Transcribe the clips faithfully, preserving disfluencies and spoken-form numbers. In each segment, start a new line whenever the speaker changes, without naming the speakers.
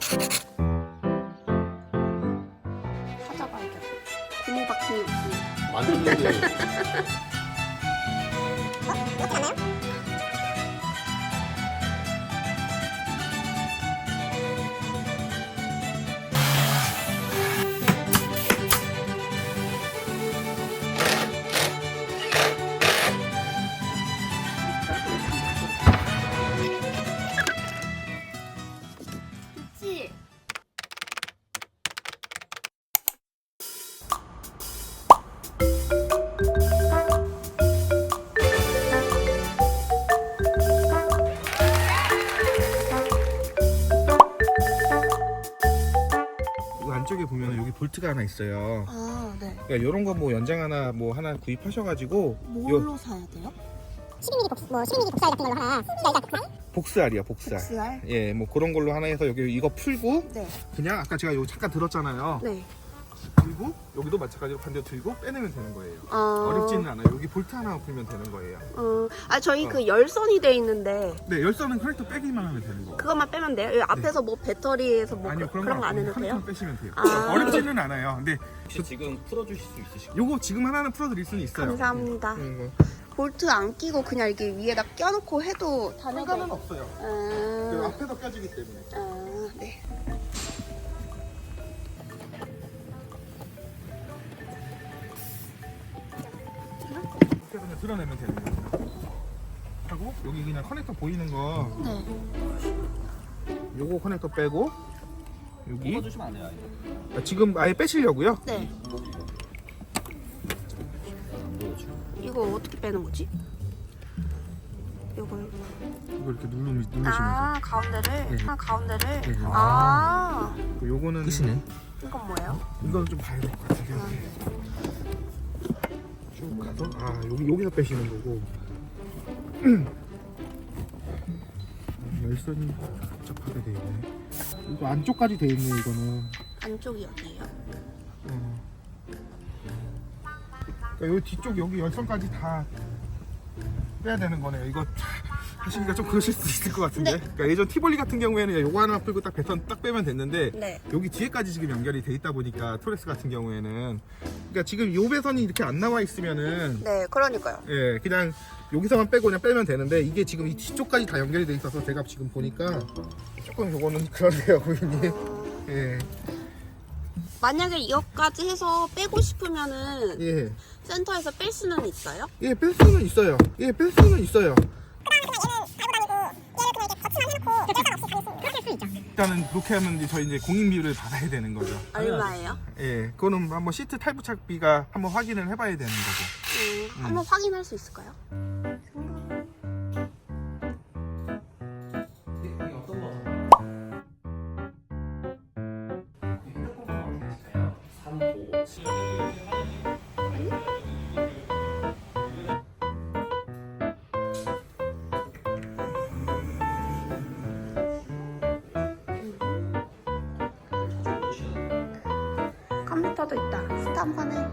찾아봐야겠다. 고무 박힘이 없습니다.
완전 좋네.
어? 이렇게 맞나요?
그치?
이 안쪽에 보면 여기 볼트가 하나 있어요.
아, 네.
그러니까 이런 거 뭐 연장 하나 뭐 하나 구입하셔가지고
뭘로 사야 돼요?
십이 밀리미터 복수, 뭐 십이 밀리미터 복사알 같은 걸로 하나. 열다 복사알?
복스알이야 복스알.
복스알?
예, 뭐 그런 걸로 하나 해서 여기 이거 풀고
네.
그냥 아까 제가 여기 잠깐 들었잖아요.
네.
그리고 여기도 마찬가지로 반대로 들고 빼내면 되는 거예요.
어...
어렵지는 않아요. 여기 볼트 하나 풀면 되는 거예요.
어... 아, 저희
어.
그 열선이 돼 있는데
네, 열선은 커넥터 빼기만 하면 되는 거.
그것만 빼면 돼요? 여기 앞에서 뭐 배터리에서 뭐
아니요,
그,
그런,
그런 거 안
거
해도 돼요?
커넥터 빼시면 돼요.
아.
어렵지는 않아요. 근데
혹시 지금 풀어주실 수 있으실까요?
요거 지금 하나는 풀어드릴 수는 있어요.
감사합니다.
음, 뭐.
볼트 안 끼고 그냥 이렇게 위에다 껴놓고 해도 다녀도
상관은 없어요. 그
아,
앞에서 껴지기 때문에.
아, 네.
그래서 그냥 드러내면 되는 거예요. 하고 여기 그냥 커넥터 보이는 거
네.
요거 커넥터 빼고 여기
풀어주시면 안 돼요? 이거?
아, 지금 아예 빼시려고요?
네.
안 보여주고.
이거 어떻게 빼는 거지? 이걸
이거 이렇게 누르, 누르시면서
아 가운데를
네.
아 가운데를
네.
아
요거는
끝이네.
이건 뭐예요?
이건 좀 봐야 될 것 같아요. 쭉 가서 아 여기 여기서 빼시는 거고 열선이 복잡하게 돼 있네. 이거 안쪽까지 돼 있네 이거는.
안쪽이 어디예요?
어. 그러니까 여기 뒤쪽 여기 열선까지 다 빼야 되는 거네요. 이거 하시기가 좀 그러실 수 있을 것 같은데.
네.
그러니까 예전 티볼리 같은 경우에는 요거 하나 풀고 딱 배선 딱 빼면 됐는데
네.
여기 뒤에까지 지금 연결이 돼 있다 보니까 토레스 같은 경우에는 그러니까 지금 요 배선이 이렇게 안 나와 있으면은
네, 그러니까요.
예 그냥 여기서만 빼고 그냥 빼면 되는데 이게 지금 이 뒤쪽까지 다 연결이 돼 있어서 제가 지금 보니까 조금 요거는 그런데요 고객님. 예.
만약에 이것까지 해서 빼고 싶으면은
예.
센터에서 뺄 수는 있어요?
예, 뺄 수는 있어요. 예, 뺄 수는 있어요. 일단은 그렇게 하면 이제 저희 이제 공인비를 받아야 되는 거죠.
얼마예요?
예, 그거는 한번 시트 탈부착비가 한번 확인을 해봐야 되는 거고.
음, 한번 확인할 수 있을까요?
이게 어떤 거 삼, 오, 칠.
컴퓨터도 있다. 스tam프네.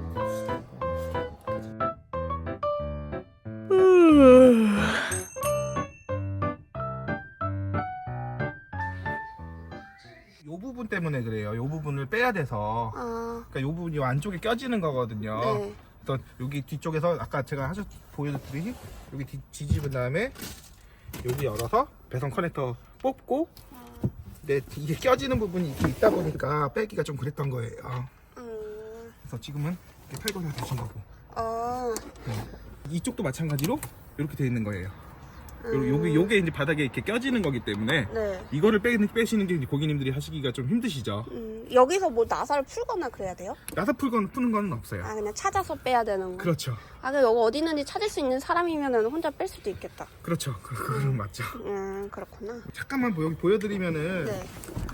요 부분 때문에 그래요. 요 부분을 빼야 돼서.
아,
그러니까 요 부분이 안쪽에 껴지는 거거든요.
네.
그래서 여기 뒤쪽에서 아까 제가 하셨 보여드린 여기 뒤, 뒤집은 다음에 여기 열어서 배선 커넥터 뽑고 근데 이게 껴지는 부분이 이렇게 있다 보니까 빼기가 좀 그랬던 거예요.
음,
그래서 지금은 이렇게 탈거가 되신 거고
어,
네. 이쪽도 마찬가지로 이렇게 돼 있는 거예요. 요-
음,
요게 요게 이제 바닥에 이렇게 껴지는 거기 때문에
네.
이거를 빼, 빼시는 게 이제 고객님들이 하시기가 좀 힘드시죠.
음, 여기서 뭐 나사를 풀거나 그래야 돼요?
나사 풀건 푸는 거는 없어요.
아, 그냥 찾아서 빼야 되는 거.
그렇죠,
아, 근데 여기 어디 있는지 찾을 수 있는 사람이면은 혼자 뺄 수도 있겠다.
그렇죠. 그, 그건 맞죠.
음, 그렇구나.
잠깐만 보- 여기 보여드리면은
네.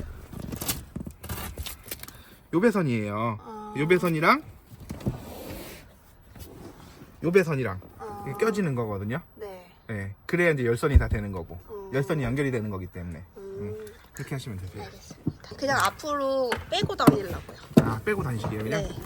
요 배선이에요.
아.
요 배선이랑 요 배선이랑
아.
이게 껴지는 거거든요.
네.
예, 그래야 이제 열선이 다 되는 거고
음.
열선이 연결이 되는 거기 때문에
음,
음, 그렇게 하시면 되세요.
알겠습니다. 그냥 앞으로 빼고 다니려고요.
아 빼고 다니시게요 그냥.
네.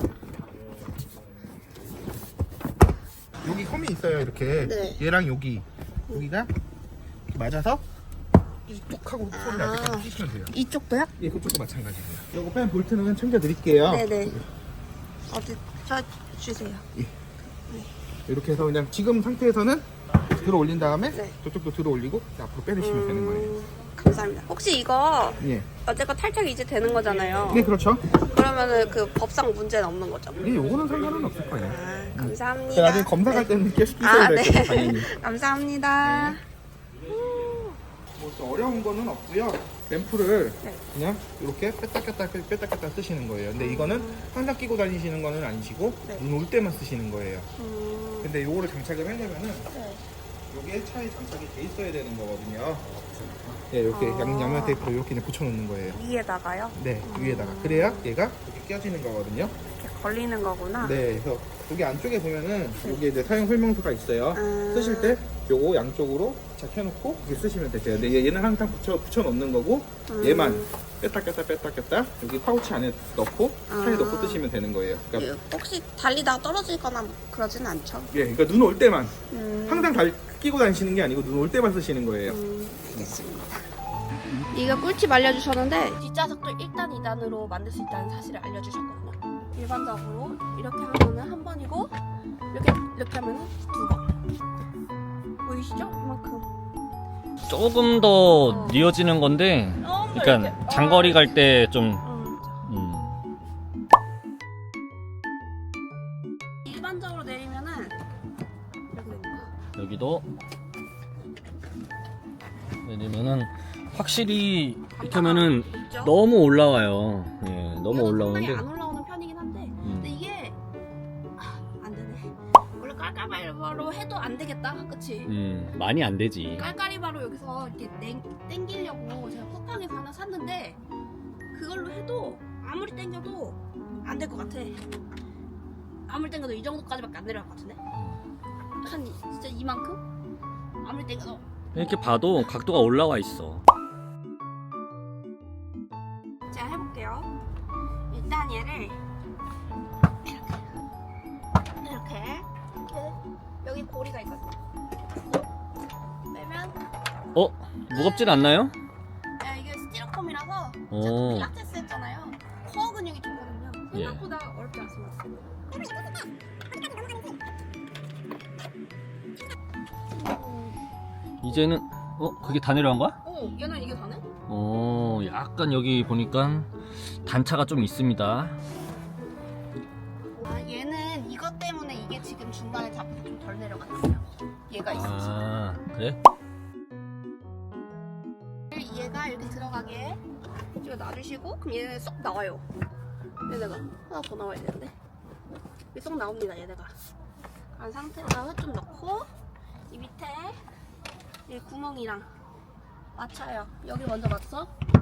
여기 홈이 있어요 이렇게.
네.
얘랑 여기 여기가 이렇게 맞아서 뚝 하고 소리
아.
날 때까지 끼시면 돼요.
이쪽도요?
예, 그쪽도 마찬가지고요. 요거 뺀 볼트는 챙겨드릴게요.
네네. 어디 저 주세요.
이렇게 해서 그냥 지금 상태에서는 들어 올린 다음에
네.
저쪽도 들어 올리고 앞으로 빼내시면 되는 거예요.
음, 감사합니다. 혹시 이거
예.
어쨌건 탈착이 이제 되는 거잖아요.
네, 그렇죠.
그러면은 그 법상 문제는 없는 거죠?
예, 요거는 상관은 없을 거예요.
아,
그
감사합니다.
나중에 검사 갈 때는 계속 끼셔야
아,
될
네.
거예요, 당연히.
감사합니다.
뭐 어려운 거는 없고요. 램프를
네.
그냥 이렇게 뺐다 꼈다 뺐다 꼈다 쓰시는 거예요. 근데 이거는 항상 끼고 다니시는 거는 아니시고
네.
눈 올 때만 쓰시는 거예요.
음,
근데 요거를 장착을 하려면은
네.
요게 차에 장착이 돼 있어야 되는 거거든요. 네, 이렇게
아.
양, 양면 테이프로 이렇게 그냥 붙여놓는 거예요.
위에다가요?
네, 위에다가. 그래야 얘가 이렇게 껴지는 거거든요.
이렇게 걸리는 거구나.
네, 그래서 여기 안쪽에 보면은 여기 이제 사용 설명서가 있어요.
음.
쓰실 때 요거 양쪽으로 착해놓고 이렇게 쓰시면 되세요. 근데 얘- 얘는 항상 붙여, 붙여놓는 거고
음.
얘만 뺐다 꼈다 뺐다 꼈다 여기 파우치 안에 넣고 차에
아.
넣고 쓰시면 되는 거예요. 그러니까,
예, 혹시 달리다가 떨어지거나 뭐 그러진 않죠?
예, 그러니까 눈 올 때만
음,
항상 달, 끼고 다니시는 게 아니고 눈 올 때만 쓰시는 거예요.
음, 알겠습니다. 이거 꿀팁 알려주셨는데 뒷좌석도 일 단, 이 단으로 만들 수 있다는 사실을 알려주셨거든요. 일반적으로 이렇게 하면은 한 번이고 이렇게 이렇게 하면은 두 번. 보이시죠? 이만큼.
조금 더 이어지는 건데,
너무
그러니까
이렇게-
장거리 갈 때 좀
음.
음,
일반적으로 내리면은 이렇게 됩니다.
여기도 내리면은 확실히 이렇게 하면은
있죠?
너무 올라와요. 예, 너무
이거는
올라오는데
상당히 안 올라오는 편이긴 한데
음,
근데 이게 아, 안 되네. 원래 깔깔바로 해도 안 되겠다, 그치?
음, 많이 안 되지.
깔깔이바로 여기서 이렇게 땡, 땡기려고 제가 쿠팡에서 하나 샀는데 그걸로 해도 아무리 땡겨도 안 될 것 같아. 아무리 땡겨도 이 정도까지밖에 안 내려갈 것 같은데? 한 이- 진짜 이만큼? 아무리 땡겨도
이렇게 봐도 각도가 올라와 있어.
제가 해볼게요. 일단 얘를 이렇게 이렇게 여기 고리가 있거든요. 빼면
어? 무겁진 않나요?
야, 이게 스티로폼이라서
오.
제가 필라테스 했잖아요. 코어 근육이 좋거든요.
예.
생각보다 어렵지 않습니다.
이제는 어? 그게 다 내려간 거야?
오, 얘는 이게 다네?
어, 약간 여기 보니까 단차가 좀 있습니다.
아, 얘는 이것 때문에 이게 지금 중간에 잡혀서 좀 덜 내려갔어요. 얘가 있어서.
아, 그래?
얘가 이렇게 들어가게 이거 놔주시고 그럼 얘네 쏙 나와요. 얘네가 하나 더 나와야 되는데 이게 쏙 나옵니다. 얘네가 간 상태에다가 좀 넣고 이 밑에 이 구멍이랑 맞춰요. 여기 먼저 맞춰